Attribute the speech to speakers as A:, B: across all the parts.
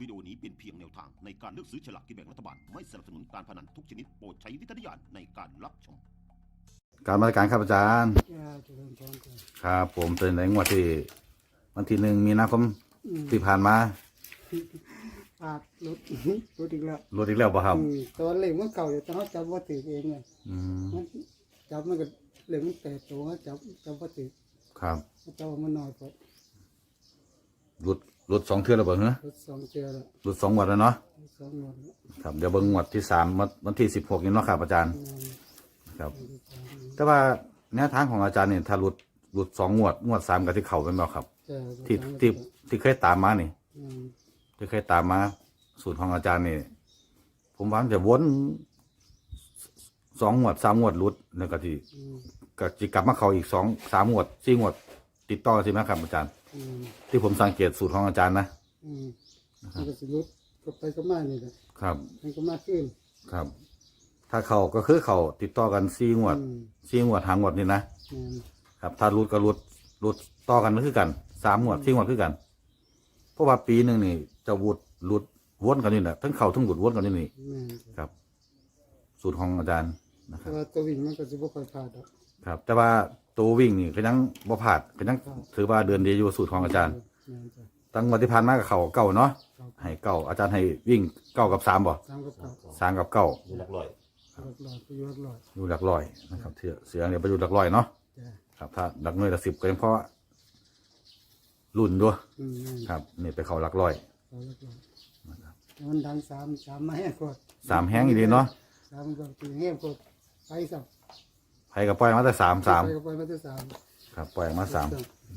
A: วิดีโอนี้เป็นเพียงแนวทางในการเลือกซื้อฉลากกินแบ่งรัฐบาลไม่สนับสนุนการพนันทุกชนิดโปรดใช้วิจารณญาณในการรับชม
B: การมาตรการครับอาจารย์
C: เจริญพรกัน
B: ครับผมเป็นในงวดที่วันที่1 มีนาคมที่ผ่านมา
C: ปาดรถรถอีกแล้ว
B: ลดอีกแล้วป่ะครับ
C: ตอนเล็กมันเก่าอยู่แต่เขาจับว่าถือเองไง
B: อืม
C: มันจับมันก็เล็กมันแต่ตัวเขาจับว่าถือ
B: ครับ
C: เขาจับมันน้อยกว่า
B: ลด2 เทื่อแล้วบ่เหรอ
C: รถ2 เจือแล้ว
B: ลด2 งวดแล้วเนาะ
C: 2 งวดแล้ว
B: ครับเดี๋ยวเบิ่งงวดที่3วันที่16นี่เนาะครับอาจารย์
C: นั่น
B: ครับ แต่ว่าแนวทางของอาจารย์นี่ถ้าลด2 งวด3ก็ที่เข้าเป็นบ่ครับ
C: เจอ
B: ที่เคยตามมานี่
C: อืม
B: ที่เคยตามมาสูตรของอาจารย์นี่ผมว่ามันจะวน2 งวด3 งวดหลุดแล้วก็ที่
C: อืม
B: ก็จะกลับมาเข้าอีก2-3 งวด4 งวด ติดต่อใช่ไหมครับอาจารย์
C: อืม
B: ที่ผมสังเกตสูตรของอาจารย์นะ
C: อืมมันก็สิรุดก็ไปก็มานี่แหละ
B: ครับ
C: มันก็มาขึ้น
B: ครับ ถ้าเขาก็คือเขาติดต่อกัน4 งวด
C: อืม
B: 4 งวด5 งวดนี่นะ
C: นั่น
B: ครับ ถ้าหลุดก็หลุดต่อกันก็คือกัน3 งวด4 งวดคือกัน เพราะว่าปีหนึ่งนี่จะหลุดวนกันนี่แหละทั้งเขาทั้งหลุดวนกันนี่นี่
C: แม่น
B: ครับ สูตรของอาจารย์นะค
C: แต่
B: รับ
C: ว่าตัววิ่งมันก็สิบ่ค่อยพลาดดอก
B: ครับ แต่ว่าตัววิ่งนี่ก็ยังบ่พลาดก็ยังถือว่าเดือนดีอยู่สูตรของอาจารย์
C: แม่นจ้ะ
B: ตั้งวันที่ผ่านมากับเขาเก่าเนาะ
C: ครับ
B: ให้เก่าอาจารย์ให้วิ่ง9 กับ 3บ่
C: 3กับ9
B: 3 กับ 9
A: อยู่หลักร้อย
C: รอดไปอยู่รอด
B: อยู่หลักร้อยนะครับเสือเนี่ยไปอยู่หลักร้อยเนาะ
C: จ้ะ
B: ครับ ถ้าหลักหน่วยหลัก10ก็ยังเพราะรุ่นด้วย
C: อืมนั่น
B: ครับนี่ไปเขาหลักร้อย
C: เอาละก่อนมันดังสามมาให้กด
B: 3 แห้งอีกดีเนาะ
C: สามก็ตีแห้งกดไปสับ
B: ไผกับปล่อยมาแต่3
C: ไปก็ไปมาที่สาม
B: ครับปล่อยมา3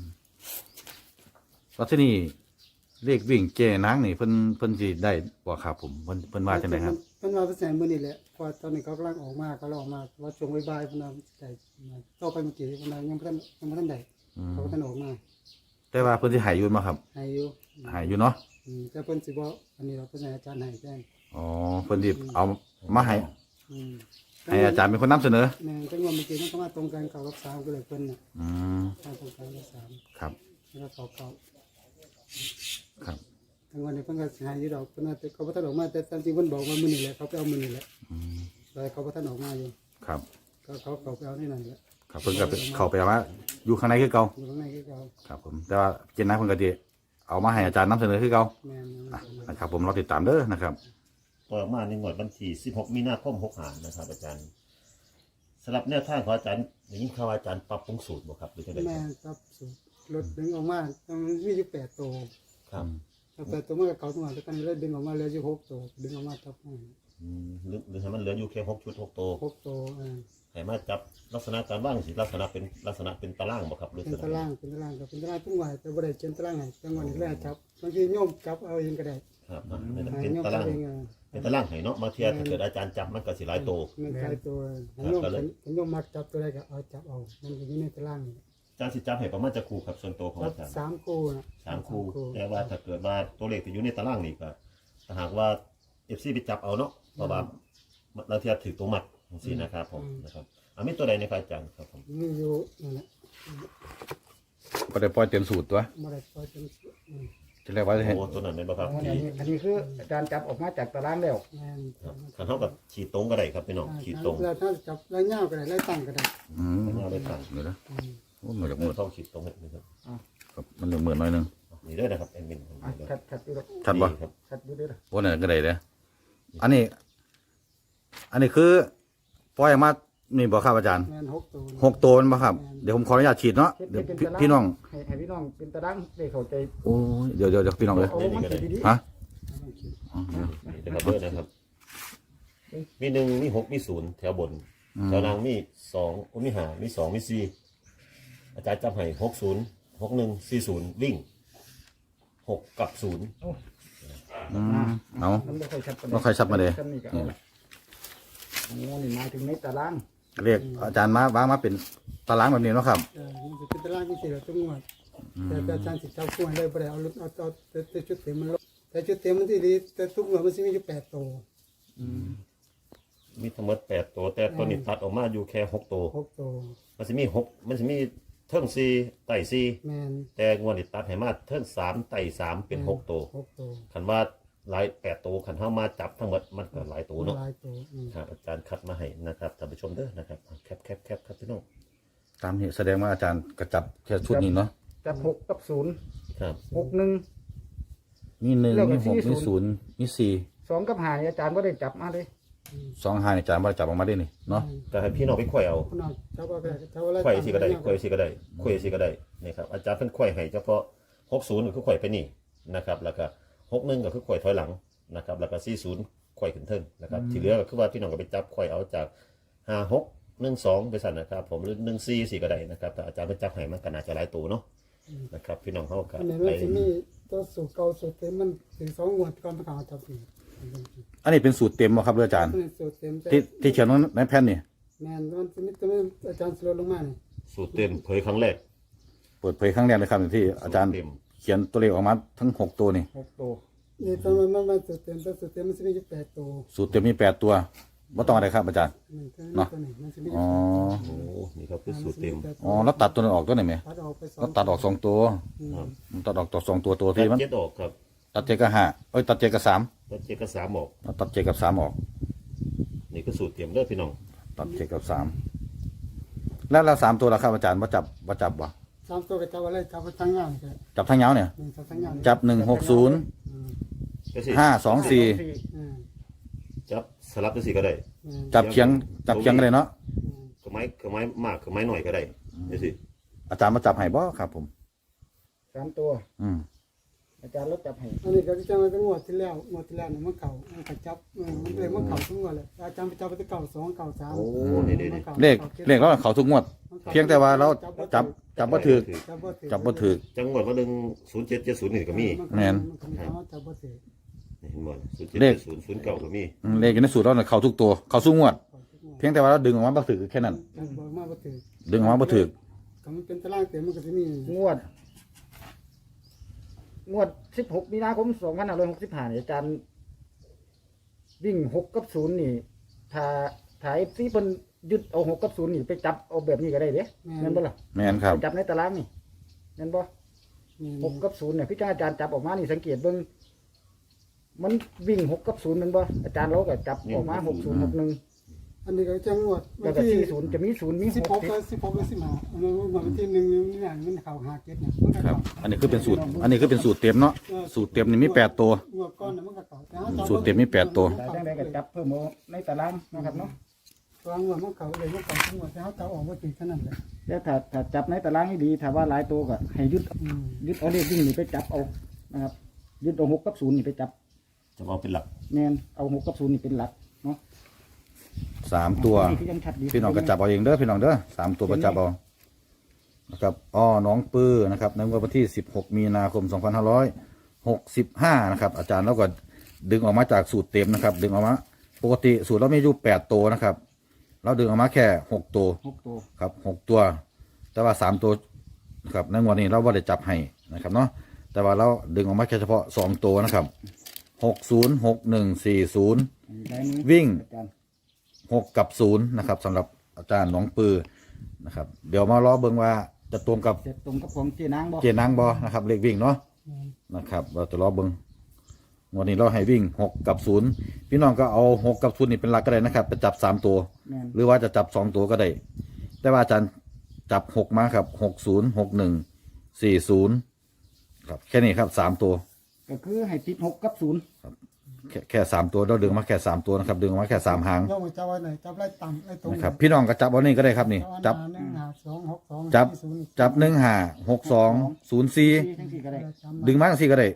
B: แล้วที่นี่เลขวิ่งเจนางนี่เพิ่นสิได้บ่ครับผมเพิ่นว่าจังไดครับ
C: เพิ่นว่าเป็นแสนมื้อนี่แหละพอตอนนี้เขากำลังออกมาว่าช่วงบ่ายๆเพิ่นว่าได้ต่อไปเมื่อกี้เพิ่นว่ายังบ่ทันได้เขาก็ทันออกมา
B: แต่ว่าเพิ่นสิให้อยู่บ่ครับ
C: ให้อยู่
B: ให้อยู่เนาะ
C: แต่เพิ่นสิบ่อันนี้เราเพิ่นให้อาจารย์ให้แจ้ง
B: อ๋อเพิ่นสิเอามาให้
C: อืม
B: ให้อาจารย์เป็นคนนำเสนอ
C: แม่นจังว่าเมื่อกี้มันก็มาตรงกันเขากับสามก็เลยเพิ่นน่ะ
B: อืม
C: มาตรงกันกับสาม
B: ครับ
C: แล้วก็เขา
B: ครับ
C: ทั้งวันนี้เพิ่นก็สิให้อยู่ดอกเพิ่นว่าแต่เขาบ่ทันออกมาแต่ตามจริงเพิ่นบอกว่ามื้อนี้แหละเขาไปเอามื้อนี้แหละ
B: อืม
C: แต่เขาบ่ทันออกมาอยู่
B: ครับ
C: เขาไปเอานี่นั่นแหละ
B: ครับเพิ่นก็ไปเข้าไปว่าอยู่ข้างในคือเก่า
C: อยู่ข้างในคือเขา
B: ครับผมแต่ว่าเจนนะเพิ่นก็สิเอามาให้อาจารย์นำเสนอคือเก่า
C: แม่น
B: นะครับผมรอติดตามเด้อนะครับ
D: ต่อมาในงวดวันที่16 มีนาคม65นะครับอาจารย์สำหรับแนวทางของอาจารย์อย่างนี้ข่าวว่าอาจารย์ปรับปรุงสูตรบ่ครับหรือจังได๋
C: แม่
D: ครับ
C: นครับสูตรรถดึงออกมามันมีอยู่8ตัว
D: ครับ
C: ถ้า8ตัวมันก็เก่าตัวแล้วกันเลยดึงออกมาเหลืออยู่6ตัวดึงออกมาจับให้
D: หรือให้มันเหลืออยู่แค่6ชุด6ตัว
C: 6ตัว
D: ให้มาจับลักษณะการว่างสิลักษณะเป็นตารางบ่ครับหรือ
C: เป็นตารางก็เป็นตารางทุกวันแต่บ่ได้เขียนตารางให้จังหวะนี้แลจับบางทีโยมจับเอาเองก็ได้
D: ครับ
C: ให้
D: เป็น
C: โยม
D: ตา
C: จั
D: รา
C: บ
D: ง
C: เอง
D: เป็นตารางให้เนาะมาเทียบถ้าเกิดอาจารย์จับมันก็สิหลายตัว
C: มันใครตัวให้โยมให้โยมมักจับตัวใดก็เอาจับเอามันก็อยู่ในตารางนี่
D: อาจารย์สิจับให้ประมาณจะคู่ครับส่วนตัวของ
C: จับ
D: อาจารย์
C: 3คู่นะ
D: 3คู่แต่ว่าถ้าเกิดว่าตัวเลขที่อยู่ในตารางนี่ก็ถ้าหากว่า FC ไปจับเอาเนาะเพราะว่าบางทีถือตัวมัดจังซี่นะครับผมนะครับมีตัวใดในครับอาจารย์ครับผม
C: มีอยู่นั่นแหละ
B: ก็ได้ปล่อยเต็มสูตรตัว
C: บ่ได้ปล่อยจน
B: ที่แรกว่าจะให้
D: โอ้ตัวนั้นเป็นบ่ครับ
E: อันนี้คืออาจารย์จับออกมาจากตารางแล้ว
C: แม่น
D: คันเท่ากับขีดตรงก็ได้ครับพี่น้องขีดตรง
C: แล้วถ้าจับแล้วยาวก็ได้แล้วตั้งก็ได้
B: อืม
D: เอาได้ตั้ง
B: เดี๋ยวนะ
C: อืม
B: โอ้มันจะมืด
D: เข้าขีดตรงให้นะครับ
B: ครับมันจะมืดหน่อยนึง
D: นี่ด้วยนะครับแอดมิน
E: ชัดอยู่แล้ว
B: ชัดบ่
D: ครับ
E: ชัดอยู่ด้วยนะ
B: โอ้นั่นก็ได้เด้ออันนี้คือปล่อยออกมานี่บ่ครับอาจารย์
C: แม่น6ตัว
B: 6 ตัวมันบ่ครับเดี๋ยวผมขออนุญาตฉีดเนาะเดี๋ยวพี่น้อง
E: ให้พี่น้องเป็นตารางได้เข้าใจ
B: โอ้ยเดี๋ยวพี่น้องเลย
E: เอามันดีดี
B: ฮะ
D: นี่นะครับเบอร์นะครับ มี1มี6มี0แถวบนแถวล่างมี2มี5มี2มี4อาจารย์จับให้60 61 40วิ่ง6กับ0
B: เอา
E: มันไม่ค่อยชัดปานใด
B: บ่ค่อยชัดมาเลย
E: ชัดนี่ก็เอาโอ้นี่หมายถึงในตาราง
B: เรียกอาจารย์มาวางมาเป็นตารางแบบนี้เนาะครับ
C: มันจะเป็นตารางที่4แล้วทุกงวดแต่อาจารย์สิจับคู่ให้ได้บ่ได้เอาแต่ชุดเต็มมันลดแต่ชุดเต็มมันสิดีแต่ทุกงวดมันสิมีอยู่8ตัว
D: มีทั้งหมด8ตัวแต่ตัวนี้ตัดออกมาอยู่แค่6ตัว
C: 6ตัว
D: มันสิมีเทิง4ไต่4
C: แม่น
D: แต่งวดนี้ตัดให้มาเทิง3ไต่3เป็น6ตัว
C: 6ตัว
D: คันว่าหลาย8ตัวขันเฮามาจับทั้งหมดมันก็หลายตัวเนาะ
C: หลายตัว
D: ครับอาจารย์คัดมาให้นะครับท่านผู้ชมเด้อนะครับแคปครับพี่น้อง
B: ตามนี้แสดงว่าอาจารย์กระจับแค่ชุดนี้เนาะ
E: จับ6 กับ
D: ครับ
E: 0 6 1
B: มีหนึ่ง
E: แล้วก็
B: มีหก
E: 40
B: มีศูนย์มีสี่
E: 2 กับ5นี่อาจารย์บ่ได้จับมาเลย
B: สองหาอาจารย์ว่าจับออกมาได้นี่เนาะ
D: ก็ให้พี่น้องไปไขว่เอา
C: คนเอาเจ้าว่าเจ้าว่าอะไร
D: ไขว่สิก็ได้ไขว่สิก็ได้ไขว่สิก็ได้นี่ครับอาจารย์เพิ่นไขว่ให้เฉพาะ60ก็คือไขว่ไปนี่นะครับแล้วก็61ก็คือไขว่ถอยหลังนะครับแล้วก็40ไขว่ขึ้นเทิงนะครับที่เหลือก็คือว่าพี่น้องก็ไปจับไขว่เอาจาก5612ไปสั่นนะครับผมหรือ14สิก็ได้นะครับแต่อาจารย์เพิ่นจับให้มันก็น่าจะหลายตัวเนาะนะครับพี่น้องเฮาก็
C: อันนี้
D: ไป
C: มันจะมีตัวสูตรเก่าสูตรเต็มมันถึง2งวดก่อนประกาศจับอีก
B: อันนี้เป็นสูตรเต็มบ่ครับอาจารย์
C: สูตรเต็ม
B: ที่เขียนในแผ่นนี่
C: แม่นมันจะมีตัวอาจารย์สโลลงมานี่
D: สูตรเต็มเผยครั้งแรก
B: เปิดเผยครั้งแรกเลยครับที่อาจารย์
D: สูตเต็ม
B: เขียนตัวเลขออกมาทั้ง6ตัวนี่
E: 6 ตัว
C: นี่ตอนมันสูตรเต็มแต่สูตรเต็มมันจะมีอยู่8ตัว
B: สูตรเต็มมี8ตัวบ่ต้องอะไรครับอาจารย์
C: นี่ตัวนี้มันจะมี
B: อ๋อ
D: โอ้นี่ครับคือสูตรเต็ม
B: อ๋อแล้วตัดตัวนั้นออกตัวไหนไหม
C: ตัดออกไป
B: แล้วตัดออก2ตัวตัดออกตัว2ตัวตัว
D: ตั
B: ที่
D: ด
B: มัน
D: เจ็ดออกครับ
B: ตัด7กับ5เอ้ยตัด7กับ3
D: ตัดเจ็ดกับ3ออก
B: แล้วตัด7กับ3ออก
D: นี่ก็สูตรเต็มเด้อพี่น้อง
B: ตัด7กับ3แล้ว3ตัวล่ะครับอาจารย์บ่จับบ่
C: 3ตัวก็จับอะไรจับไปทั้งงานก็
B: จับทั้งยาวเนี่ย
C: จับทั้งงาน
B: จับ160
D: ก็สิ
B: 524
D: จับสลับจังซี่ก็ได้
B: จับเคียงก็ได้เนาะ
D: ก็ไม้มากก็ไม้หน่อยก็ได้จังซี่
B: อาจารย์มาจับให้บ่ครับผม
E: 3 ตัว อาจารย์ลดจับให้
C: อันนี้ก็จะมาตั้งงวดที่แล้วเนี่ยมันเก่ามันก็จับมันเลยมันเก่าทุกงวดเลยอาจารย์ไปจับไปที่เก่า2เก่า3
D: โอ้นี่
B: เลขเราเขาทุกงวด เพียงแต่ว่าเราจับบ่ถูก จับบ่ถูก
D: จังหวัดว่า10770นี่ก็มี
B: แม่น
C: จับบ่ถูก
D: นี่เห็นบ่
B: เลข
D: 0770 09ก็มี
B: เลขอยู่ในสูตรเราเนี่ยเขาทุกตัว เขาสู้งวด เพียงแต่ว่าเราดึงออกมาบ่ถูกแค่นั้น
C: บอกมาบ่ถูก
B: ดึงออกมาบ่ถูก
C: ก็มันเป็นตารางเต็มมันก็จะมี
E: งวด16มีนาคม2565นี่อาจารย์วิ่ง6กับ0นี่ถ้า FC เพิ่นยึดเอา6กับ0นี่ไปจับเอาแบบนี้ก็ได้เด้แม่นบ่ล่ะ
B: แม่นครับ
E: ไปจับในตารางนี่แม่นบ่6กับ0เนี่ยพี่อาจารย์จับออกมานี่สังเกตเบิ่งมันวิ่ง6กับ0แม่นบ่อาจารย์เราก็จับออกมา6061
C: อันนี้ก็จะงวด
E: แล้วก็40จะมี0มี
C: 16กับ16กับ15อันนั้นวันที่1นี่น่ะมันเข้า5เก็ดเนี่ยมันก็
B: ครับ
C: เข้า
B: อันนี้คือเป็นสูตร อันนี้คือเป็นสูตรเต็มเนาะ สูตรเต็มนี่มี8ตัว
C: งวดก่อนน่ะมันก็เข้าแต่
B: สูตรเต็มมี8ตัว
E: แต่จังได๋ก็จับเพิ่มเอาในตารางนะครับเนาะ
C: วางงวดมันเข้าเลยมันเข้าทุกงวดแต่เฮาจับออกบ่ถูกแค่นั้นแหละ
E: แล้วถ้าจับในตารางให้ดีถ้าว่าหลายตัวก็ให้ยึดเอาเลขวิ่งนี่ไปจับเอานะครับยึดเอา6กับ0นี่ไปจับ
D: จะเอาเป็นหลัก
E: แม่นเอา6กับ0นี่เป็นหลักเนาะ
B: 3ตัว
E: นี่คือยังชัดดี
B: พี่น้องก็จับเอาเองเด้อพี่น้องเด้อ3ตัวก็จับเอานะครับน้องปื้อนะครับในวันที่16มีนาคม2565นะครับอาจารย์เราก็ดึงออกมาจากสูตรเต็มนะครับดึงออกมาปกติสูตรเราไม่อยู่8ตัวนะครับเราดึงออกมาแค่6ตัว
E: 6ตัว
B: ครับ6ตัว แต่ว่า3ตัวนะครับในงวดนี้เราบ่ได้จับให้นะครับเนาะแต่ว่าเราดึงออกมาแค่เฉพาะ2ตัวนะครับ60 6140
E: ได้นี้
B: วิ่ง
E: อาจารย์
B: 6กับ0นะครับสำหรับอาจารย์หนองปือนะครับเดี๋ยวมาล้อเบิ่งว่าจะตรงกับ
E: เสร็จตรงกับของเจนางบ่
B: เจนางบอนะครับเลขวิ่งเนาะนะครับเราจะล้อเบิ่งวันนี้เราให้วิ่ง6กับ0พี่น้องก็เอา6กับ0นี่เป็นหลักก็ได้นะครับไปจับ3ตัว
E: แม่น
B: หรือว่าจะจับ2ตัวก็ได้ แต่ว่าอาจารย์จับ6มาครับ60 61 40ครับแค่นี้ครับ3ตัว
E: ก็คือให้ติด6กับ0
B: แค่3ตัวเราดึงมาแค่3ตัวนะครับดึงออกมาแค่3หาง
C: ย่อมจับไว้ไหนจับไล่ต่ำไล่ตรง
B: นะครับพี่น้องก็จับเอานี่ก็ได้ครับนี่จับ
C: 1 5 2 6 2
B: จับ1 5 6 2 0 4
E: ทั้งสี่ก็ได้
B: ดึงมาจังสี่ก็ได้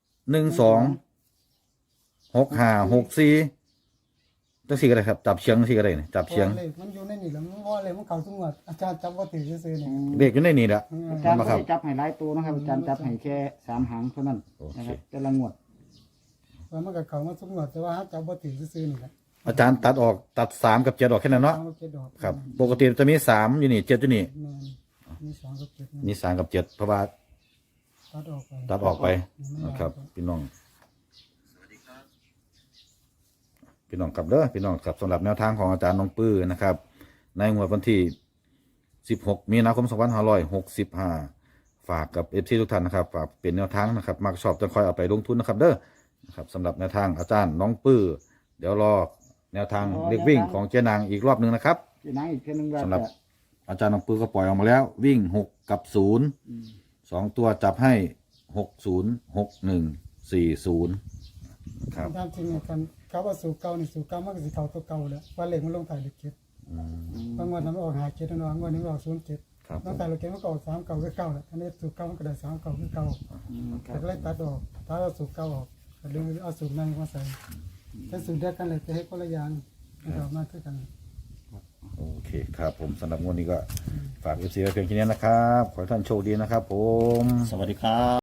B: 126564จังสี่ก็ได้ครับจับเชียงจังสี่ก็ได้นี่จับเชียง
C: มันอยู่ในนี่แล้วมันว่าเลยมันเข้าทุกงวดอาจารย์จับบ่ถือซื่อๆนี่
B: เลขอยู่ในนี่แหละ
E: อาจารย์
B: มา
E: ไม่
B: ครับ
E: ได้จับให้หลายตัวนะครับอาจารย์จับให้แค่3หางเท่านั้นนะครับแต่ละงวด
C: ว่ามันก็เข้ามาทุกงวดแต่ว่าจับบ่ถือซื่อๆนี่แหละ
B: อาจารย์ตัดออกตัด3กับ7ออกแค่นั้นเนาะ
C: เอาเก็ดดอก
B: ครับปกติจะมี3อยู่นี่7อยู่นี่
C: แม่นมี2กับ7
B: มี3กับ7เพราะว่า
C: ตัดออกไป
B: ตัดออกไปนะครับพี่น้องพี่น้องครับเด้อพี่น้องครับสำหรับแนวทางของอาจารย์น้องปื้อนะครับในงวดวันที่16มีนาคม2565ฝากกับ FC ทุกท่านนะครับฝากเป็นแนวทางนะครับมักชอบจะคอยเอาไปลงทุนนะครับเด้อครับสำหรับแนวทางอาจารย์น้องปื้อเดี๋ยวรอแนวทางเรียกวิ่งของเจนางอีกรอบหนึ่งนะครับ
E: ที่นั่งอีกแค่นึงว่า
B: สำหรับ
E: จะ
B: อาจารย์น้องปื้อก็ปล่อยออกมาแล้ววิ่ง6 กับ 0 2 ตัวจับให้ 60 61 40ครับ
C: ตามจริงเนี่ยกันเขาว่าสูตรเก่านี่สูตรเก่ามันก็สิเขาตัวเก่าแหละว่าเลขมันลงถ่ายเลขเจ็ดบางวันมันออกหาเจ็ดบางวันนึงออก07
B: ครับ
C: ลงถ่ายเลขเจ็ดมันก็ออก3เก่าคือเก่าแหละอันนี้สูตรเก่ามันก็ได้3เก่าคือเก่าแต่ก็เลยตัดออกถ้าเอาสูตรเก่าออกก็เลยเอาสูตรใหม่มาใส่แต่สูตรเดียวกันเลยแต่ให้คนละอย่างมันก็ออกมาคือกัน
B: โอเคครับผมสำหรับงวดนี้ก็ฝาก FC ไว้เพียงแค่นี้นะครับ ขอให้ท่านโชคดีนะครับผม
D: สวัสดีครับ